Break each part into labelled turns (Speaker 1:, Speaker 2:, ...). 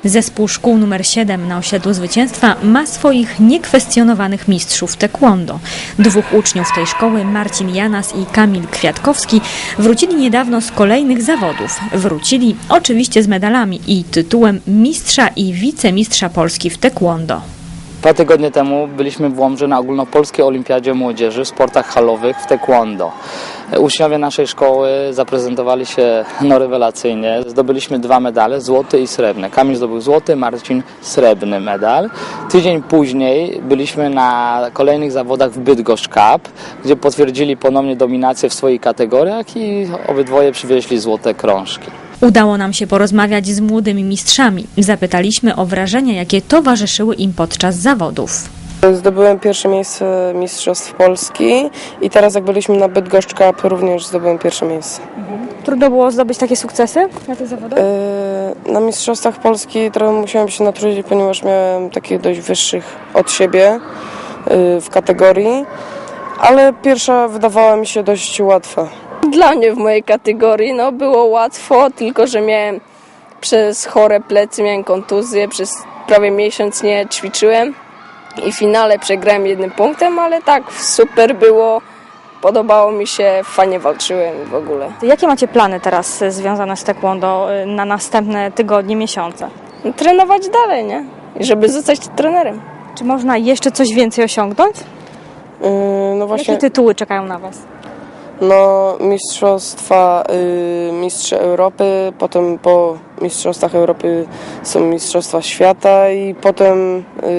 Speaker 1: Zespół szkół nr 7 na osiedlu Zwycięstwa ma swoich niekwestionowanych mistrzów taekwondo. Dwóch uczniów tej szkoły, Marcin Janas i Kamil Kwiatkowski, wrócili niedawno z kolejnych zawodów. Wrócili oczywiście z medalami i tytułem mistrza i wicemistrza Polski w taekwondo.
Speaker 2: 2 tygodnie temu byliśmy w Łomży na ogólnopolskiej olimpiadzie młodzieży w sportach halowych w taekwondo. Uczniowie naszej szkoły zaprezentowali się rewelacyjnie. Zdobyliśmy 2 medale, złoty i srebrny. Kamil zdobył złoty, Marcin srebrny medal. Tydzień później byliśmy na kolejnych zawodach w Bydgoszcz Cup, gdzie potwierdzili ponownie dominację w swoich kategoriach i obydwoje przywieźli złote krążki.
Speaker 1: Udało nam się porozmawiać z młodymi mistrzami. Zapytaliśmy o wrażenia, jakie towarzyszyły im podczas zawodów.
Speaker 3: Zdobyłem pierwsze miejsce Mistrzostw Polski i teraz jak byliśmy na Bydgoszcz Cup również zdobyłem pierwsze miejsce.
Speaker 4: Trudno było zdobyć takie sukcesy na tych zawodach?
Speaker 3: Na Mistrzostwach Polski trochę musiałem się natrudzić, ponieważ miałem takich dość wyższych od siebie w kategorii, ale pierwsza wydawała mi się dość łatwa.
Speaker 5: Dla mnie w mojej kategorii było łatwo, tylko że miałem przez chore plecy, miałem kontuzję, przez prawie miesiąc nie ćwiczyłem i w finale przegrałem 1 punktem, ale tak super było, podobało mi się, fajnie walczyłem w ogóle.
Speaker 4: Jakie macie plany teraz związane z taekwondo na następne tygodnie, miesiące?
Speaker 5: Trenować dalej, nie? I żeby zostać trenerem.
Speaker 4: Czy można jeszcze coś więcej osiągnąć?
Speaker 3: No właśnie.
Speaker 4: Jakie tytuły czekają na Was?
Speaker 3: No, mistrzostwa, mistrze Europy, potem po mistrzostwach Europy są mistrzostwa świata i potem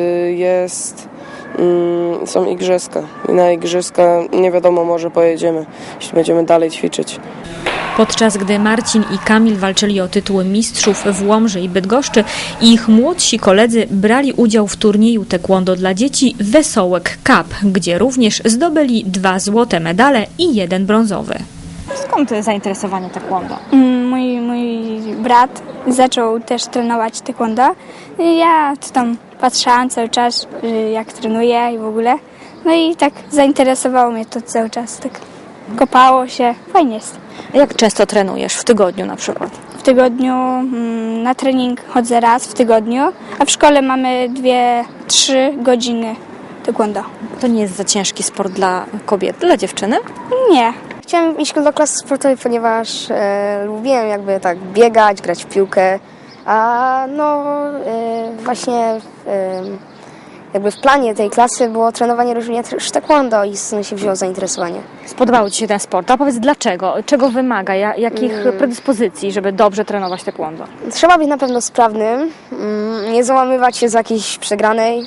Speaker 3: są igrzyska. I na igrzyska nie wiadomo, może pojedziemy, jeśli będziemy dalej ćwiczyć.
Speaker 1: Podczas gdy Marcin i Kamil walczyli o tytuły mistrzów w Łomży i Bydgoszczy, ich młodsi koledzy brali udział w turnieju taekwondo dla dzieci Wesołek Cup, gdzie również zdobyli 2 złote medale i 1 brązowy.
Speaker 4: Skąd zainteresowanie taekwondo?
Speaker 6: Mój brat zaczął też trenować taekwondo. Ja tam patrzyłam cały czas, jak trenuje i w ogóle. No i tak zainteresowało mnie to cały czas. Tak kopało się, fajnie jest.
Speaker 4: A jak często trenujesz w tygodniu na przykład?
Speaker 6: W tygodniu na trening chodzę raz w tygodniu, a w szkole mamy 2-3 godziny taekwondo.
Speaker 4: To nie jest za ciężki sport dla kobiet, dla dziewczyny?
Speaker 6: Nie.
Speaker 7: Chciałem iść do klasy sportowej, ponieważ lubiłem jakby tak biegać, grać w piłkę, a właśnie jakby w planie tej klasy było trenowanie również taekwondo i stąd się wzięło zainteresowanie.
Speaker 4: Spodobało Ci się ten sport, a powiedz dlaczego? Czego wymaga? Jakich predyspozycji, żeby dobrze trenować taekwondo?
Speaker 7: Trzeba być na pewno sprawnym, nie załamywać się z jakiejś przegranej.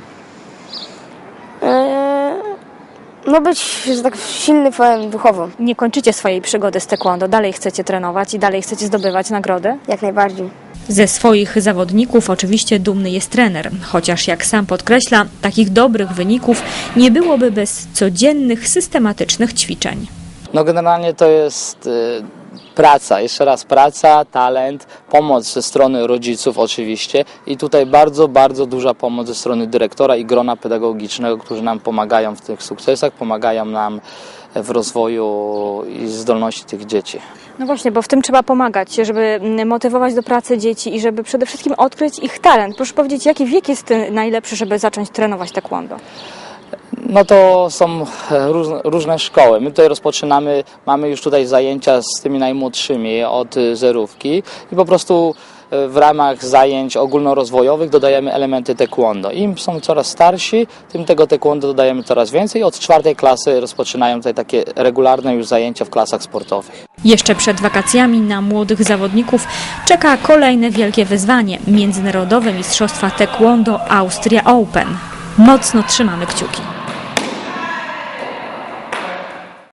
Speaker 7: Być, że tak silny, powiem, duchowo.
Speaker 4: Nie kończycie swojej przygody z taekwondo, dalej chcecie trenować i dalej chcecie zdobywać nagrody?
Speaker 7: Jak najbardziej.
Speaker 1: Ze swoich zawodników oczywiście dumny jest trener, chociaż jak sam podkreśla, takich dobrych wyników nie byłoby bez codziennych, systematycznych ćwiczeń.
Speaker 2: No generalnie to jest praca, jeszcze raz praca, talent, pomoc ze strony rodziców oczywiście i tutaj bardzo, bardzo duża pomoc ze strony dyrektora i grona pedagogicznego, którzy nam pomagają w tych sukcesach, pomagają nam w rozwoju i zdolności tych dzieci.
Speaker 4: No właśnie, bo w tym trzeba pomagać, żeby motywować do pracy dzieci i żeby przede wszystkim odkryć ich talent. Proszę powiedzieć, jaki wiek jest najlepszy, żeby zacząć trenować taekwondo?
Speaker 2: No to są różne szkoły. My tutaj rozpoczynamy, mamy już tutaj zajęcia z tymi najmłodszymi od zerówki i po prostu w ramach zajęć ogólnorozwojowych dodajemy elementy taekwondo. Im są coraz starsi, tym tego taekwondo dodajemy coraz więcej. Od 4. klasy rozpoczynają tutaj takie regularne już zajęcia w klasach sportowych.
Speaker 1: Jeszcze przed wakacjami na młodych zawodników czeka kolejne wielkie wyzwanie – Międzynarodowe Mistrzostwa Taekwondo Austria Open. Mocno trzymamy kciuki.